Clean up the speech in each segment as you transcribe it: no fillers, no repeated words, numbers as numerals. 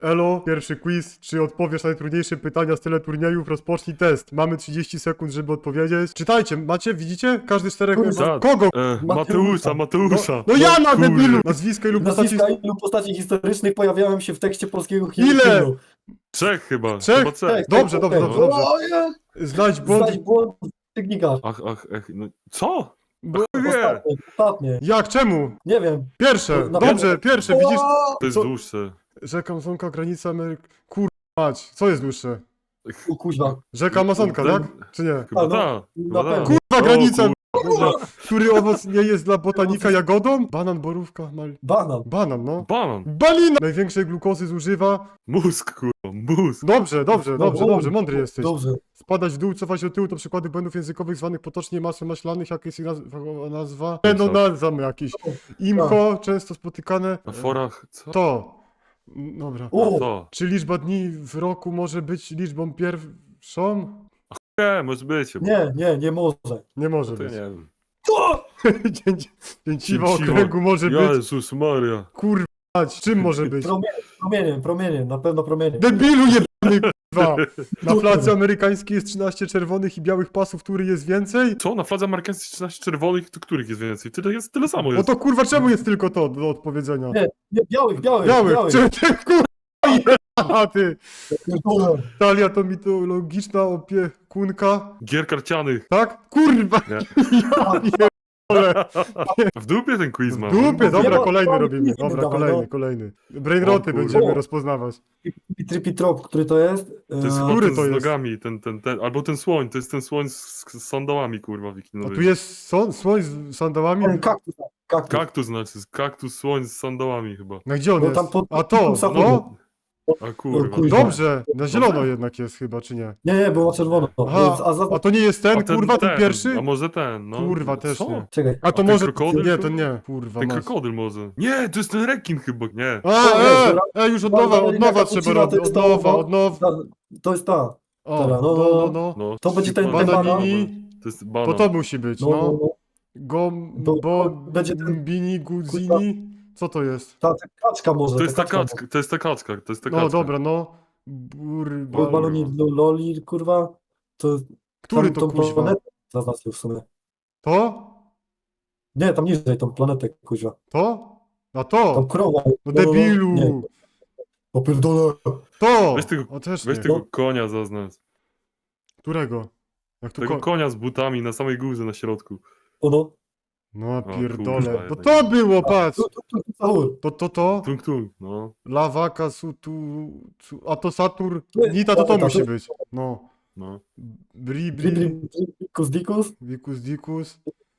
Elo, pierwszy quiz. Czy odpowiesz na najtrudniejsze pytania z teleturniejów? Rozpocznij test. Mamy 30 sekund, żeby odpowiedzieć. Czytajcie, macie, widzicie? Każdy z czterech... Tak. Kogo? Mateusza. No ja na Kurde. debilu! Nazwiska ilu postaci... Nazwiska ilu postaci historycznych pojawiają się w tekście polskiego Ile? hymnu. Trzech chyba. Trzech? Chyba trzech. Dobrze, dobrze, dobrze, dobrze. O, nie. Znajdź błąd... Znajdź błąd w tygnikach. Ach, no co? Bo... Nie, Ostatnie. Jak? Czemu? Nie wiem. Pierwsze, Na dobrze, pewno. pierwsze, widzisz? to jest Co? dłuższe. Rzeka Amazonka, granica Ameryki... Mać, co jest dłuższe? O kuźwa. Rzeka Amazonka, tak? Czy nie? Chyba A, no, tak. na pewno. Kurwa, granica! Kurwa. Który owoc nie jest dla botanika jagodą? Banan, borówka, Banan. Banan, no. Banan. Balina! Największej glukozy zużywa... Mózg, kurwa. Mózg. Dobrze, dobrze, dobrze, dobrze, mądry jesteś. Dobrze. Spadać w dół, cofać do tyłu to przykłady błędów językowych zwanych potocznie masłem maślanych, jak jest ich nazwa? No nazwamy jakieś. Imcho, często spotykane. Na forach. Co? To. Dobra. O, To. Czy liczba dni w roku może być liczbą pierwszą? Nie, może być. chyba. nie może. Nie może To być. nie wiem. Co? Dzięciwa Dzięciwo. okręgu może być. Jezus Maria. Kurwa, czym może być? Promieniem, na pewno promieniem. Debilu jebany, kurwa! Na fladze amerykańskiej jest 13 czerwonych i białych pasów, który jest więcej? Co? Na fladze amerykańskiej 13 czerwonych, to których jest więcej? Tyle samo No jest. to kurwa, czemu jest tylko to do odpowiedzenia? Nie, białych. Białych! Czy ty kurwa jebana, ty! Pierdolę. Talia to mitologiczna opiekunka, Gier karcianych. tak? Kurwa! Nie. Ja pierdolę. W dupie ten quiz ma. W dupie, dobra, Nie, kolejny no, robimy. nie, Dobra, dawaj, kolejny, no. kolejny. Brainroty O, kurwa. będziemy rozpoznawać. Tripitrop, który to jest? To jest chyba Który ten to z jest? nogami, albo ten słoń, to jest ten słoń z sandałami, kurwa, A wikinowy. tu jest słoń z sandałami? Kaktus. Kaktus znaczy, kaktus, słoń z sandałami chyba. No gdzie on No jest? tam pod- A to, no. A kurwa. kurwa. Dobrze, na zielono jednak jest chyba, czy nie? Nie, było czerwono. Aha, a to nie jest ten, kurwa, ten pierwszy? A może ten, no. Kurwa, też Co? nie. Czekaj. A to ten może... krokodyl, Nie, kurwa? to nie. Kurwa, Ten masz. krokodyl może. Nie, to jest ten rekin chyba, nie. Już od nowa trzeba robić, od nowa. To jest ta. O, Dobra, no. No, To będzie ten Bananini, To jest banan. to musi być, no. To będzie ten- Bini, Guzini, co to jest? Ta kaczka może. To jest ta kaczka. kaczka, to jest ta kaczka, to jest ta No kaczka. dobra, no. Bo baloni loli, kurwa. To Który tam, to tą kuźwa? planetę zaznaczył w sumie. To? Nie, tam niżej, tą planetę, kuźwa. To? A Tam to? krowa. No debilu! Nie. O pierdolę. To! Weź tego- O też Weź nie. tego konia zaznacz. Którego? Jak tu Tego konia z butami na samej górze na środku. Ono. No kurwa, pierdolę. Bo jednak to nie. było, patrz! Sahur. To? Tung tung, no. Lawaka, a to Satur, To jest- Nita, to to musi jest- być. No. No. Bri, Dikus, dikus. Dikus.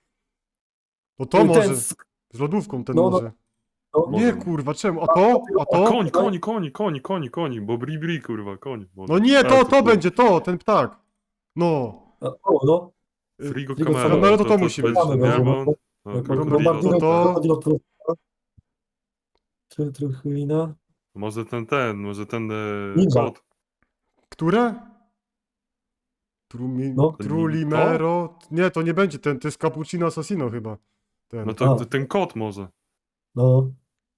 To to Ten może. z- Z lodówką ten No, no. może. no, Nie kurwa, czemu? A to? A A to? koń, bo bri, kurwa, koń. No nie, A, to kurwa. będzie, ten ptak. No. O, no. Frigo Frigo Camaro. Camaro to musi być. będzie, nie, bo- No, no, to- krokodilo. Krokodilo. Truchlina. Może ten Ninja. kot. Które? No. Trulimero? Nie, to nie będzie ten, to jest Cappuccino Assassino chyba. Ten. No to A. ten kot może. No.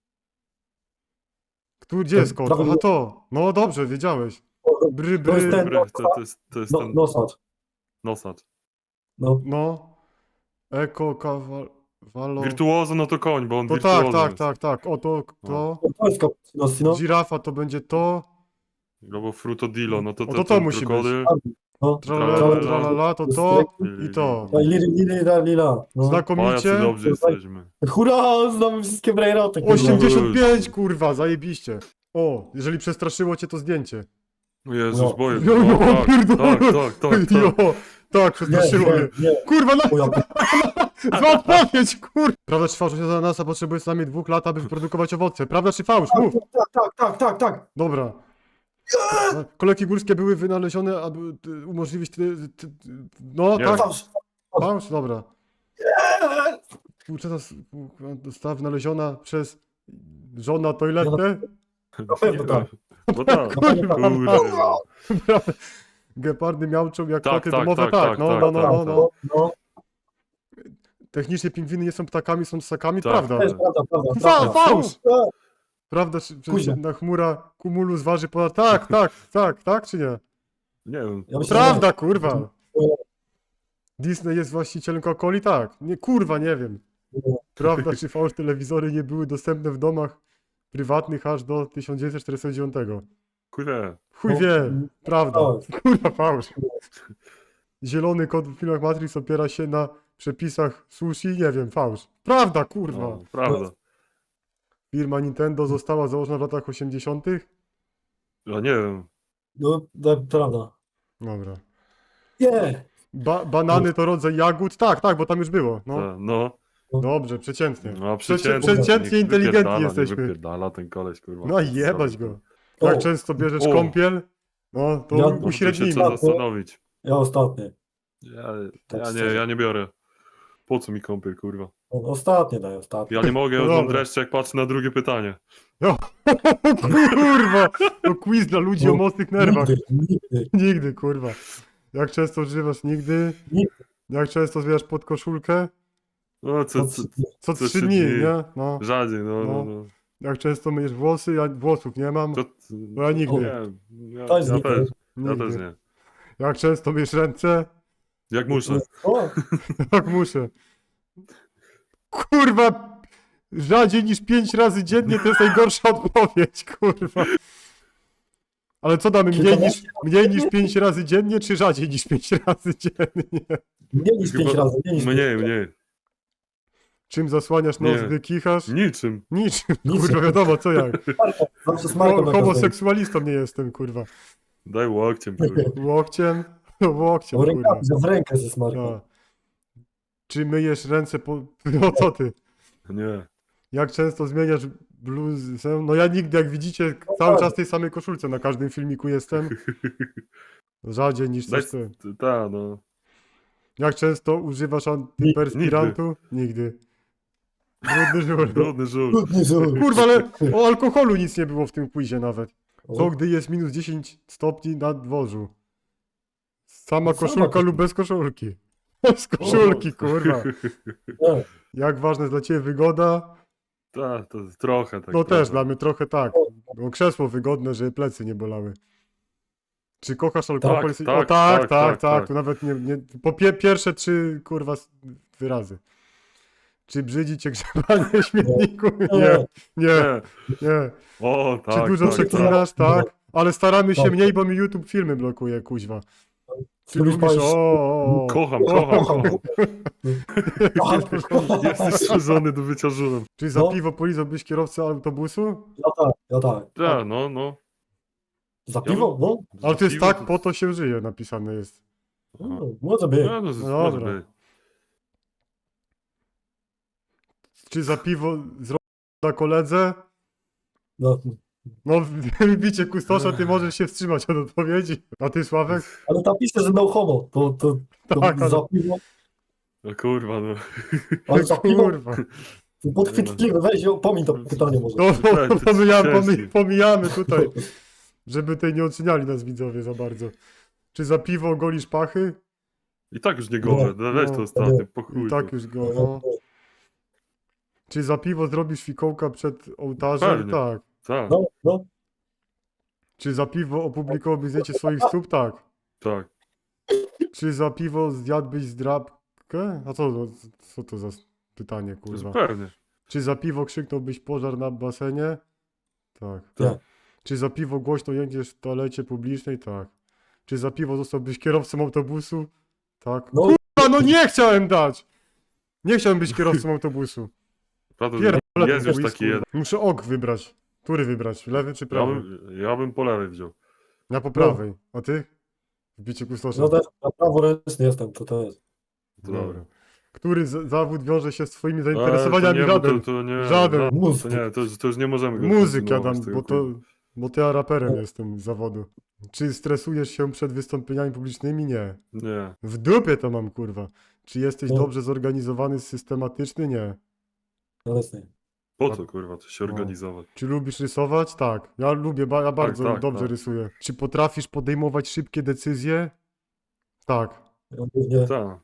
Gdzie jest kot? Prawie- Aha, to. No dobrze, wiedziałeś. Bry, To jest bry. ten- Dobry, to jest No, ten nosacz. nosacz. No. No. Eko, kawalo. Wirtuozo, no to koń, bo on To wirtuozo tak. O to. To jest cappuccino, no. Żirafa to będzie to. Albo Frutodilo, no to No to ten musi być. krokodyl. No. Tralala, to i to. No i lila. No. O, jacy Znakomicie. dobrze jesteśmy. Hurra, znamy wszystkie brainroty. kurwa. 85, kurwa, zajebiście. O, jeżeli przestraszyło cię to zdjęcie. O Jezus, No. boję. Jo, jo, tak, pierdolę. tak. Jo, tak, przestraszyło mnie. Nie. Kurwa, no, O ja zła odpowiedź, kurwa. Prawda czy fałsz, że ananasa potrzebuje co najmniej 2 lat, aby wyprodukować owoce? Prawda czy fałsz? Mów. Tak. Dobra. Kolejki górskie były wynalezione, aby umożliwić... No, Nie. tak. Fałsz. Fałsz? Dobra. Współczesna dostawa wynaleziona przez żona toiletę. Na pewno tak. No tak. Kurwa. Kurde. Gepardy miauczą jak Tak, koty tak, domowe, tak, tak. tak, No. No. Technicznie pingwiny nie są ptakami, są ssakami, Tak. prawda. To jest prawda. Fałsz! Prawda, czy Kuźwa. na chmura Cumulus waży ponad... Tak, czy nie? Nie wiem. Ja myślę, Prawda, kurwa. Disney jest właścicielem Coca-Coli? Tak. Nie, kurwa, nie wiem. Prawda, czy fałsz telewizory nie były dostępne w domach prywatnych aż do 1949? Kurde. Chuj wie, prawda. tak. Kurwa, fałsz. Zielony kod w filmach Matrix opiera się na przepisach sushi? Nie wiem, fałsz. Prawda, kurwa. No, prawda. Firma Nintendo została założona w latach 80. Ja nie wiem. No, prawda. Dobra. Nie! Banany to rodzaj jagód? Tak, bo tam już było. No. No. Dobrze, przeciętnie. No, Przeciętnie niech inteligentni wypierdala, niech jesteśmy. Wypierdala ten koleś, kurwa. No i jebać Zrobił go. to. Jak O, często bierzesz O. kąpiel? No, to Ja- No, to się uśrednijmy. trzeba zastanowić. ja ostatnie. Ja szczerze. ja nie biorę. Po co mi kąpiel, kurwa? Ostatnie daj, ostatnie. Ja nie mogę, ja No już mam dobra. dreszcze, jak patrzę na drugie pytanie. Kurwa! To quiz dla ludzi o mocnych nerwach. Nigdy. Nigdy, kurwa. Jak często używasz? Nigdy. Nigdy. Jak często zbierasz pod koszulkę? No, co, Co Co 3 trzy dni, dni. nie? No. rzadziej, no. No. Jak często myjesz włosy? Ja włosów nie mam. To, No ja nigdy. nie, ja To jest też. nigdy. Ja też Nigdy. nie. Jak często myjesz ręce? Jak muszę. O, Tak muszę. Kurwa! Rzadziej niż 5 razy dziennie to jest najgorsza odpowiedź, kurwa. Ale co damy? Mniej niż 5 razy dziennie, czy rzadziej niż 5 razy dziennie? mniej niż 5 Chyba- razy. Mniej. Czym zasłaniasz nos, Nie. gdy kichasz? Niczym. Niczym, Niczym. kurwa, wiadomo co jak. Zawsze z Marką na każdej. Homoseksualistą nie jestem, kurwa. Daj łokciem, kurwa. Łokciem? Łokciem, W kurwa. rękawie, w rękę ze Marką. No. Czy myjesz ręce po... No co ty? Nie. Jak często zmieniasz bluzę? No ja nigdy, jak widzicie, cały czas w tej samej koszulce na każdym filmiku jestem. Rzadziej niż Daj, coś ty. ta, no. Jak często używasz antyperspirantu? Nigdy. Brudny żur. Brudny żółt. Trudny żółt. Kurwa, ale o alkoholu nic nie było w tym quizie nawet. Co O, gdy jest minus 10 stopni na dworzu? Sama Sama koszulka koszulka. lub bez koszulki? Z koszulki, kurwa. nie. Jak ważna jest dla ciebie wygoda? Ta, to trochę tak. No trochę. też, dla mnie trochę tak. Bo krzesło wygodne, żeby plecy nie bolały. Czy kochasz alkohol? Tak, O tak, tak. tak. To nawet nie po pierwsze 3, kurwa, wyrazy. Czy brzydzi cię grzebanie w śmietniku? Nie, Nie. nie. O, tak. Czy dużo tak, przeklinasz? Tak. Ale staramy się Tak. mniej, bo mi YouTube filmy blokuje, kuźwa. Czy Lubisz lubisz? palić- O. Kocham. Jesteś stworzony do bycia żulem. Czy za No. piwo polizałbyś kierowcę autobusu? Ja tak. Ta, no. Za piwo? No. Ale to jest Piwo tak, po to się żyje, napisane jest. Aha. Może być. No, No może dobra. być. Czy za piwo zrobisz na koledze? No. No, bicie kustosza, ty możesz się wstrzymać od odpowiedzi. A ty, Sławek? Ale tam pisze, że no homo. To Tak, ale- za piwo. No kurwa, no. Ale za piwo. Kurwa. Podchwytliwe. Weź, pomiń to pytanie może. No, Ciężki. pomijamy tutaj, żeby tutaj nie oceniali nas widzowie za bardzo. Czy za piwo golisz pachy? I tak już nie gorzej. Weź no, to ostatnio, po chuj. I tak to. już go, no. Czy za piwo zrobisz fikołka przed ołtarzem? Pewnie. Tak. Tak, No. Czy za piwo opublikowałbyś zdjęcie swoich stóp? Tak. tak. Czy za piwo zjadłbyś zdrabkę? A co to za pytanie, kurwa? Pewnie. Czy za piwo krzyknąłbyś pożar na basenie? Tak. Tak. Czy za piwo głośno jędziesz w toalecie publicznej? Tak. Czy za piwo zostałbyś kierowcą autobusu? Tak. No. Kurwa, no nie chciałem dać! Nie chciałem być kierowcą autobusu. Prawda, Pierdolę jest ten już whisky. taki jeden. Muszę ok wybrać. Który wybrać? Lewy czy Ja prawy? bym po lewej wziął. Ja po prawej. A ty? W biciu kustosza. No też na praworęczny jestem, to jest. Dobra. Który zawód wiąże się z twoimi To zainteresowaniami? nie, bo Żaden. to nie, Żaden. Muzyk. To nie, to już nie możemy go Muzyk kontynuować Adam, tego, bo to ja raperem jestem z zawodu. Czy stresujesz się przed wystąpieniami publicznymi? Nie. Nie. W dupie to mam, kurwa. Czy jesteś No. dobrze zorganizowany, systematyczny? Nie. Obecnie. Po co kurwa to się No. organizować? Czy lubisz rysować? Tak. Ja lubię, ja bardzo tak, dobrze tak. rysuję. Czy potrafisz podejmować szybkie decyzje? Tak. Nie. Tak.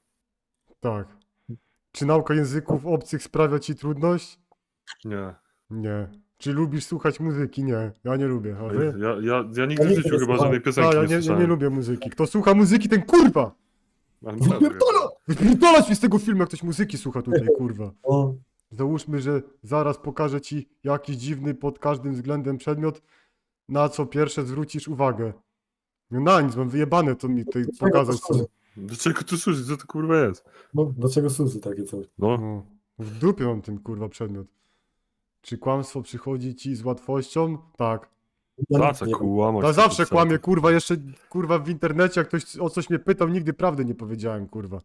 Tak. Czy nauka języków obcych sprawia ci trudność? Nie. Nie. Czy lubisz słuchać muzyki? Nie, ja nie lubię. A wy? Ja nigdy w nigdy życiu nie chyba słuchałem. żadnej A, piosenki ja nie nie słyszałem. lubię muzyki. Kto słucha muzyki, ten kurwa! Ale Wypierdala! Wypierdolać mi z tego filmu, jak ktoś muzyki słucha tutaj, kurwa. O, Załóżmy, że zaraz pokażę ci jakiś dziwny pod każdym względem przedmiot, na co pierwsze zwrócisz uwagę. No na nic, mam wyjebane to mi tutaj pokazać. służy? Do czego tu służy? Co to kurwa jest? No, do czego służy takie coś? No, No, w dupie mam ten kurwa przedmiot. Czy kłamstwo przychodzi ci z łatwością? Tak. Ja za nic co nie wiem. kłamać? Ja co zawsze ty, kłamię, co ty? kurwa, jeszcze kurwa w internecie, jak ktoś o coś mnie pytał, nigdy prawdy nie powiedziałem, kurwa.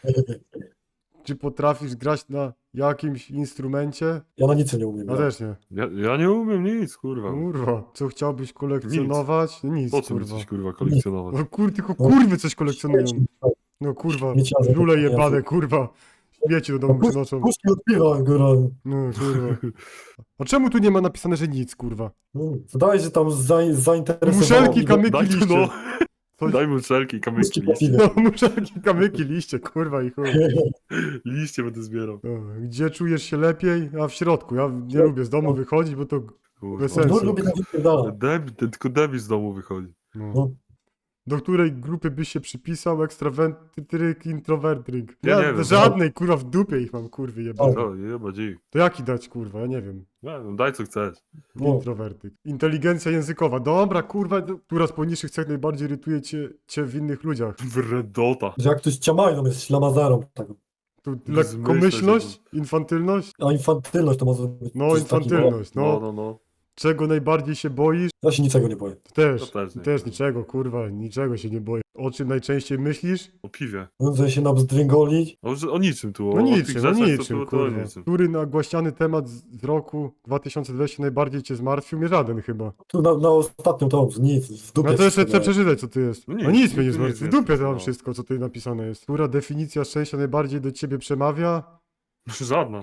Czy potrafisz grać na jakimś instrumencie? Ja na nic nie umiem. Ja też nie. Ja nie umiem nic, kurwa. Kurwa, co chciałbyś kolekcjonować? Nic, Po co mi kurwa. coś kurwa kolekcjonować? No tylko kurwy coś kolekcjonują. No kurwa, Śmieciarze żule takie jebane, jacy. kurwa. Śmieci do domu przynoszą. Puszki odpiwa, góra. No kurwa. A czemu tu nie ma napisane, że nic, kurwa? Wydaje się, że tam zainteresowało. Muszelki, mnie- kamyki, Daj tu liście. no. Coś- Daj mu wszelki kamyki, Puszki po liście. piwie. No, muszelki, kamyki, liście, kurwa i chuj. Liście będę zbierał. No, gdzie czujesz się lepiej? A w środku. Ja nie lubię z domu wychodzić, bo to Kurwa. bez sensu. No, lubię na wypierdala. Tylko debil z domu wychodzi. No. No. Do której grupy byś się przypisał? Ekstrawentryk, introwertryk. Ja nie wiem. Żadnej, kurwa, w dupie ich mam, kurwy jebane. O, jeba dzik. To jaki dać, kurwa? Ja nie wiem. Nie wiem, daj co chcesz. No. Introwertyk. Inteligencja językowa. Dobra, kurwa, która z poniższych cech najbardziej irytuje cię w innych ludziach? Wredota. Że jak ktoś ciamajną jest ślamazarą. Tak. Tu Zmyślać, lekkomyślność? Infantylność? A infantylność to może być. No, coś takiego. infantylność, No, no. no. Czego najbardziej się boisz? Ja się niczego nie boję. Też. To też nie. Też niczego, kurwa, niczego się nie boję. O czym najczęściej myślisz? O piwie. Że się nabzdręgolić. O niczym tu. No o niczym, tych no rzeczach, co niczym, tu, to kurwa. niczym. Który nagłaśniany temat z roku 2020 najbardziej cię zmartwił? Mnie żaden chyba. Tu na ostatnią tą, nic, w dupie. No to jeszcze wszystko chcę przeczytać, co tu jest. No No nic, nic, nic mnie nie tu zmartwi. W nic dupie jest, to mam no. wszystko, co tutaj napisane jest. Która definicja szczęścia najbardziej do ciebie przemawia? Żadna.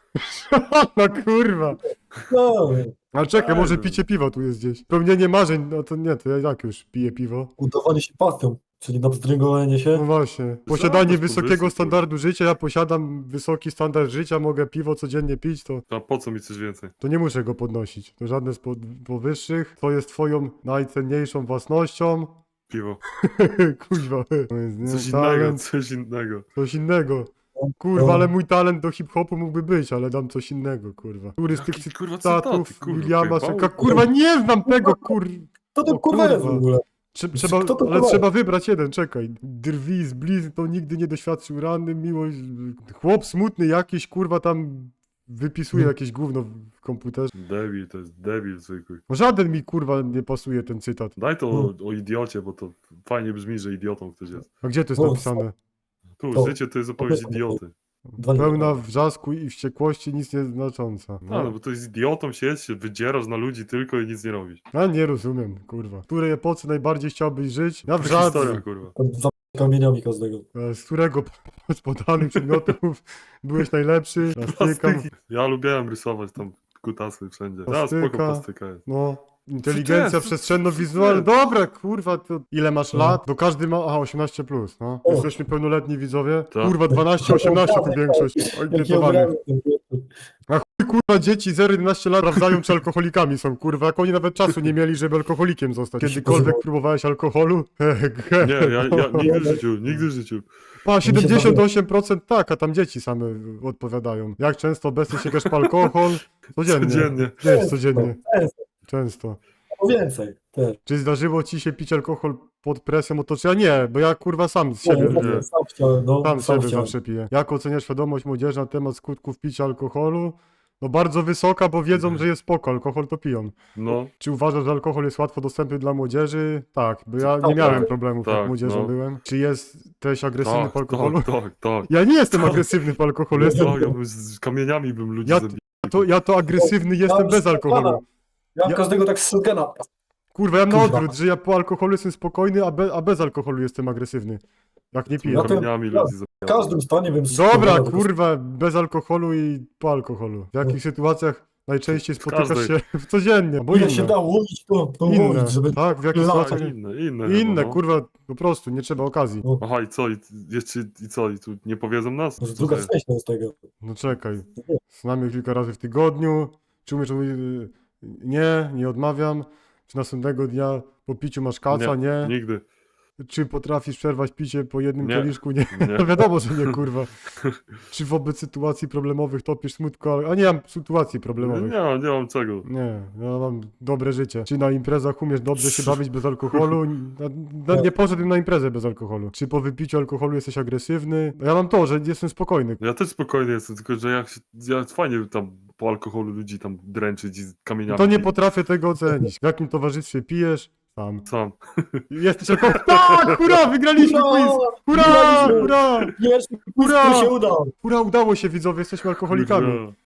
No kurwa. No, Ale czekaj, może Ej, picie piwa tu jest gdzieś. Spełnienie marzeń, no to nie, to ja jak już piję piwo. udawanie się pasją, czyli nabzdręgolenie się. No właśnie. Posiadanie Zobacz, wysokiego powyższy, standardu życia, ja posiadam wysoki standard życia, mogę piwo codziennie pić, A po co mi coś więcej? to nie muszę go podnosić. To żadne z powyższych. To jest twoją najcenniejszą własnością. Piwo. Kuźwa. To jest, nie, Coś innego, talent, coś innego. coś innego. Kurwa, ale mój talent do hip-hopu mógłby być, ale dam coś innego, kurwa. Który z tych Jaki, kurwa, cytatów cytaty, kurwa, Williama pojebało? Szeka... Kurwa, nie znam tego, To O kurwa jest w kurwa. ogóle. Trzeba, Kto to ale kurwa? trzeba wybrać jeden, czekaj. Drwi z blizn to nigdy nie doświadczył rany, miłość... Chłop smutny jakiś, kurwa, tam wypisuje jakieś gówno w komputerze. Debil, to jest debil zwykły. No żaden mi, kurwa, nie pasuje ten cytat. Daj to o idiocie, bo to fajnie brzmi, że idiotą ktoś jest. A gdzie to jest O, napisane? Tu, To- życie to jest opowieść idioty. Dwa nie Pełna wiem. wrzasku i wściekłości, nic nie znacząca. A, no bo to jest idiotą się wydzierasz na ludzi tylko i nic nie robisz. Ja nie rozumiem, kurwa. W której epoce najbardziej chciałbyś żyć? Ja w Historia, żadnej. kurwa. Tam za kamieniami każdego. Z którego z podanych przedmiotów byłeś najlepszy? Plastyka. Plastyki. Ja lubiałem rysować tam kutasy wszędzie. A, Plastyka. spoko plastyka jest. No. Inteligencja jest? przestrzenno-wizualna. Dobra, kurwa, to ile masz lat? To każdy ma. Aha, 18 plus, no. O. Jesteśmy pełnoletni widzowie. Tak. Kurwa, 12-18 tu większość. Jakie Ankietowanych. obrazy ten pierwszy. Kurwa, dzieci 0-11 lat sprawdzają, czy alkoholikami są, kurwa. Jak oni nawet czasu nie mieli, żeby alkoholikiem zostać. Kiedykolwiek próbowałeś alkoholu? Nie, ja nigdy w życiu, nigdy w życiu. Pa, 78% tak, a tam dzieci same odpowiadają. Jak często obecnie sięgasz po alkohol? Codziennie. Codziennie. Nie jest codziennie. Często. Często. O więcej. Też. Czy zdarzyło ci się pić alkohol pod presją otoczenia? Nie, bo ja kurwa sam z siebie. nie. Sam chciałem, no. Sam Sam siebie chciałem. zawsze piję. Jak oceniasz świadomość młodzieży na temat skutków picia alkoholu? No bardzo wysoka, bo wiedzą, że jest spoko, alkohol to piją. No, Czy uważasz, że alkohol jest łatwo dostępny dla młodzieży? Tak, bo ja nie Tak, miałem tak. problemów, Tak, jak młodzieżą no. byłem. Czy jesteś agresywny tak, po alkoholu? tak. Ja nie jestem agresywny po alkoholu, jestem... Ja bym z kamieniami bym ludzi Ja- zabijał. Ja to agresywny jestem bez alkoholu. Ja Ja- każdego tak z shotguna. Kurwa, ja na Kurwa. odwrót, że ja po alkoholu jestem spokojny, a bez alkoholu jestem agresywny. Jak nie piję. Ja to- Kamieniami ja- ludzi W zabijał. każdym stanie bym Dobra, strzelał, kurwa, bez alkoholu i po alkoholu. W jakich sytuacjach najczęściej spotykasz każdej. się codziennie? Bo Ile się inne. da łowić, to Inne, łowić, żeby... tak, w jakich Inne. sytuacjach... Inne Inne, chyba, no. kurwa, po prostu, nie trzeba okazji. Aha, i co? I co? I tu nie powiedzą nas? Może Co druga to jest? część z tego. No czekaj, znamy kilka razy w tygodniu. Czy umiesz Nie odmawiam. Czy następnego dnia po piciu masz kaca? Nie. Nigdy. Czy potrafisz przerwać picie po jednym Nie. kieliszku? Nie. Nie. No wiadomo, że nie, kurwa. Czy wobec sytuacji problemowych topisz smutko? A nie mam sytuacji problemowych. Nie mam czego. Nie, ja mam dobre życie. Czy na imprezach umiesz dobrze się bawić bez alkoholu? Nie poszedłem na imprezę bez alkoholu. Czy po wypiciu alkoholu jesteś agresywny? Ja mam to, że jestem spokojny. Ja też spokojny jestem, tylko że ja fajnie tam po alkoholu ludzi tam dręczyć i z kamieniami. To nie bić. potrafię tego ocenić. W jakim towarzystwie pijesz? Sam. Sam. Jesteś alkohol... Tak! Hurra! Wygraliśmy quiz! Hurra! Wygraliśmy! Hurra! Pierwszy quiz, Hurra! który się udał. Hurra! Udało się, widzowie, jesteśmy alkoholikami. Kurwa.